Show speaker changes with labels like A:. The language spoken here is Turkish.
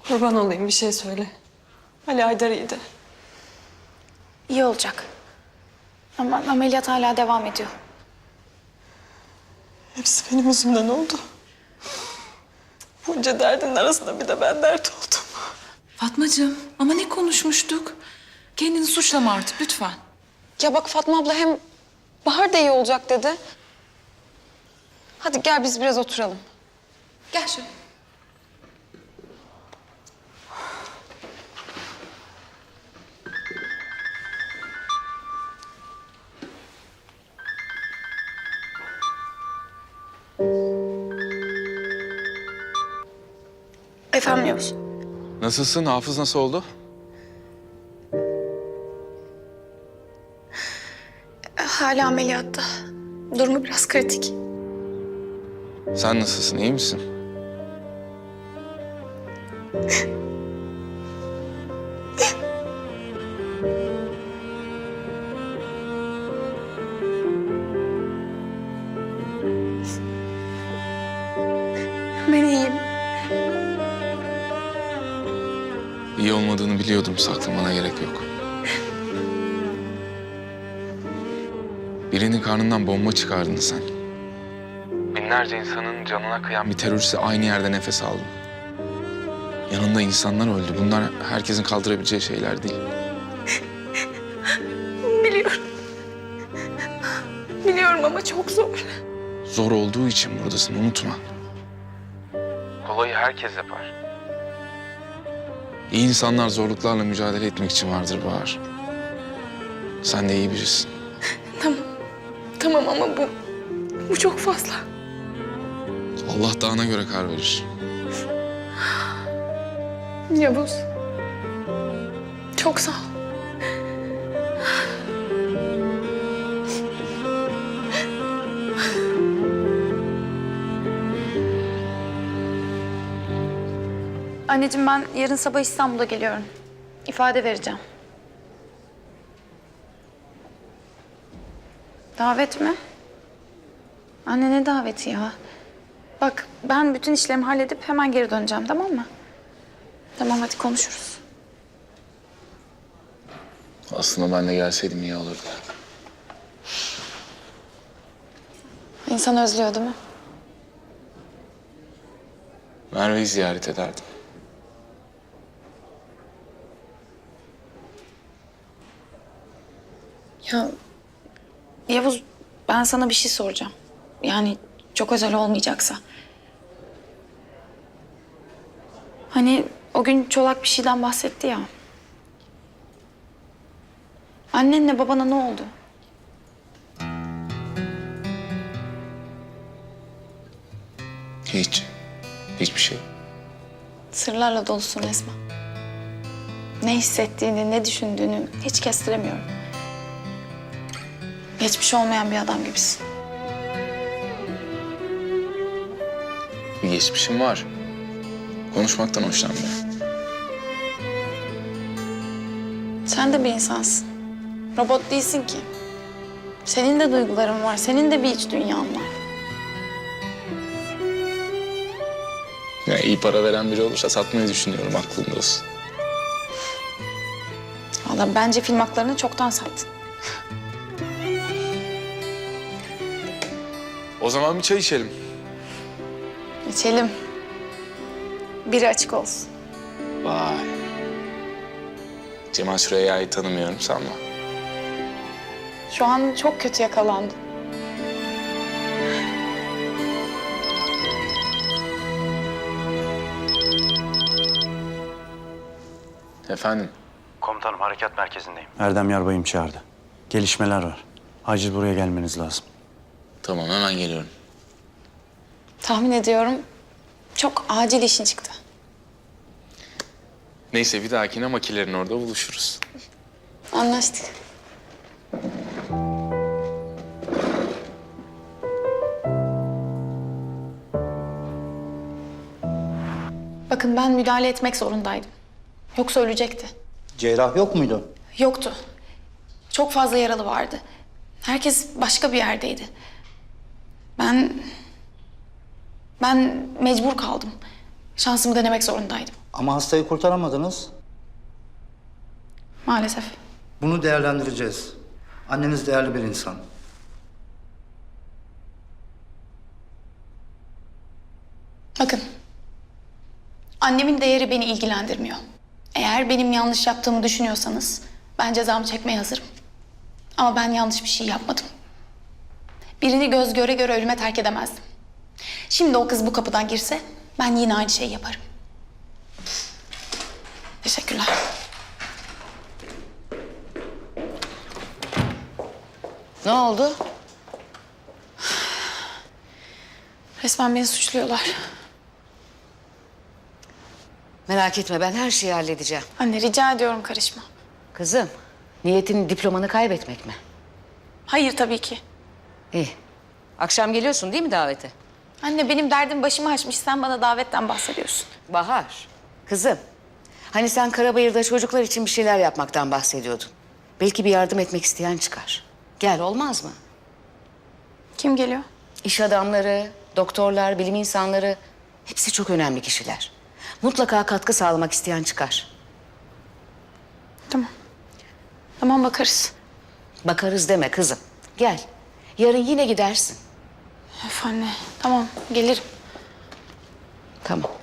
A: Kurban olayım, bir şey söyle. Ali Haydar iyiydi.
B: İyi olacak. Ama ameliyat hala devam ediyor.
A: Hepsi benim yüzümden oldu. Bunca derdin arasında bir de ben dert oldum.
C: Fatmacığım ama ne konuşmuştuk? Kendini suçlama artık lütfen.
A: Ya bak Fatma abla hem Bahar da iyi olacak dedi. Hadi gel biz biraz oturalım.
C: Gel şöyle.
B: Efendim Yavuz.
D: Nasılsın? Hafız nasıl oldu?
B: Hala ameliyatta. Durumu biraz kritik.
D: Sen nasılsın? İyi misin?
B: Ben iyiyim.
D: İyi olmadığını biliyordum. Saklamana gerek yok. Birinin karnından bomba çıkardın sen. Binlerce insanın canına kıyan bir teröriste aynı yerde nefes aldın. Yanında insanlar öldü. Bunlar herkesin kaldırabileceği şeyler değil.
B: Biliyorum. Biliyorum ama çok zor.
D: Zor olduğu için buradasın, unutma. Kolayı herkes yapar. İyi insanlar zorluklarla mücadele etmek için vardır Bahar. Sen de iyi birisin.
B: Tamam ama bu çok fazla.
D: Allah dağına göre kar verir.
B: Yavuz. Çok sağ ol. Anneciğim ben yarın sabah İstanbul'a geliyorum. İfade vereceğim. Davet mi? Anne ne daveti ya? Bak ben bütün işlerimi halledip hemen geri döneceğim, tamam mı? Tamam hadi konuşuruz.
D: Aslında ben de gelseydim iyi olurdu.
B: İnsan özlüyor değil mi?
D: Merve'yi ziyaret ederdim.
B: Ya Yavuz ben sana bir şey soracağım. Yani çok özel olmayacaksa. Hani o gün Çolak bir şeyden bahsetti ya. Annenle babana ne oldu?
D: Hiç. Hiçbir şey.
B: Sırlarla dolusun resmen. Ne hissettiğini, ne düşündüğünü hiç kestiremiyorum. Geçmiş olmayan bir adam gibisin.
D: Bir geçmişim var. Konuşmaktan hoşlanmıyorum.
B: Sen de bir insansın. Robot değilsin ki. Senin de duyguların var, senin de bir iç dünyan var.
D: Ya iyi para veren biri olursa satmayı düşünüyorum, aklında olsun.
B: Vallahi bence film haklarını çoktan sattın.
D: O zaman bir çay içelim.
B: İçelim. Biri açık olsun.
D: Vay. Cemal Süreyya'yı tanımıyorum sanma.
B: Şu an çok kötü yakalandım.
D: Efendim?
E: Komutanım harekat merkezindeyim.
F: Erdem Yarbay'ım çağırdı. Gelişmeler var. Acil buraya gelmeniz lazım.
D: Tamam, hemen geliyorum.
B: Tahmin ediyorum çok acil işin çıktı.
D: Neyse, bir dahakine makilerin orada buluşuruz.
B: Anlaştık. Bakın ben müdahale etmek zorundaydım. Yoksa ölecekti.
G: Cerrah yok muydu?
B: Yoktu. Çok fazla yaralı vardı. Herkes başka bir yerdeydi. Ben mecbur kaldım. Şansımı denemek zorundaydım.
G: Ama hastayı kurtaramadınız.
B: Maalesef.
G: Bunu değerlendireceğiz. Anneniz değerli bir insan.
B: Bakın. Annemin değeri beni ilgilendirmiyor. Eğer benim yanlış yaptığımı düşünüyorsanız ben cezamı çekmeye hazırım. Ama ben yanlış bir şey yapmadım. Birini göz göre göre ölüme terk edemezdim. Şimdi o kız bu kapıdan girse ben yine aynı şeyi yaparım. Teşekkürler.
H: Ne oldu?
B: Resmen beni suçluyorlar.
H: Merak etme, ben her şeyi halledeceğim.
B: Anne rica ediyorum karışma.
H: Kızım, niyetin diplomanı kaybetmek mi?
B: Hayır tabii ki.
H: İyi. Akşam geliyorsun değil mi davete?
B: Anne benim derdim başımı açmış. Sen bana davetten bahsediyorsun.
H: Bahar, kızım. Hani sen Karabayır'da çocuklar için bir şeyler yapmaktan bahsediyordun. Belki bir yardım etmek isteyen çıkar. Gel, olmaz mı?
B: Kim geliyor?
H: İş adamları, doktorlar, bilim insanları... hepsi çok önemli kişiler. Mutlaka katkı sağlamak isteyen çıkar.
B: Tamam. Tamam bakarız.
H: Bakarız deme kızım. Gel. Yarın yine gidersin.
B: Öf anne. Tamam gelirim.
H: Tamam.